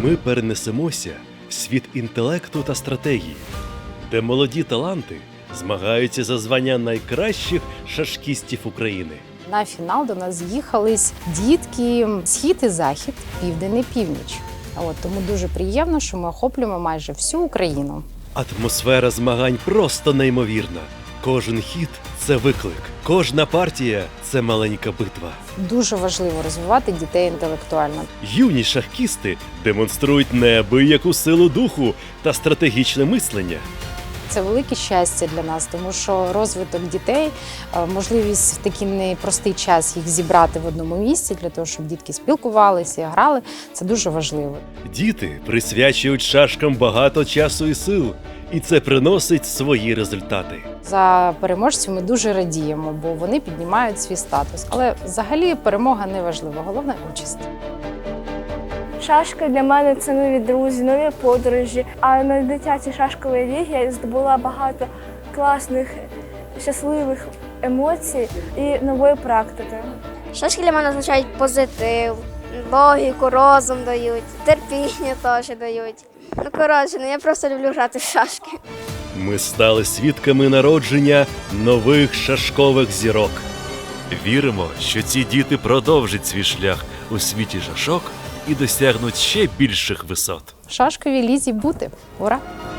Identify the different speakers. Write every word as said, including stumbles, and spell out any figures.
Speaker 1: Ми перенесемося в світ інтелекту та стратегії, де молоді таланти змагаються за звання найкращих шашкістів України.
Speaker 2: На фінал до нас з'їхались дітки схід і захід, південь і північ. От, тому дуже приємно, що ми охоплюємо майже всю Україну.
Speaker 1: Атмосфера змагань просто неймовірна. Кожен хід – це виклик, кожна партія – це маленька битва.
Speaker 2: Дуже важливо розвивати дітей інтелектуально.
Speaker 1: Юні шахкісти демонструють неабияку силу духу та стратегічне мислення.
Speaker 2: Це велике щастя для нас, тому що розвиток дітей, можливість в такий непростий час їх зібрати в одному місці, для того, щоб дітки спілкувалися, грали, це дуже важливо.
Speaker 1: Діти присвячують шашкам багато часу і сил, і це приносить свої результати.
Speaker 2: За переможців ми дуже радіємо, бо вони піднімають свій статус. Але взагалі перемога не важлива, головне – участь.
Speaker 3: Шашки для мене – це нові друзі, нові подорожі. А на дитячій шашковій лігі я здобула багато класних, щасливих емоцій і нової практики.
Speaker 4: Шашки для мене означають позитив, логіку, розум дають, терпіння теж дають. Ну, коротше, ну, я просто люблю грати в шашки.
Speaker 1: Ми стали свідками народження нових шашкових зірок. Віримо, що ці діти продовжать свій шлях у світі шашок і досягнуть ще більших висот.
Speaker 2: В шашковій лізі бути. Ура!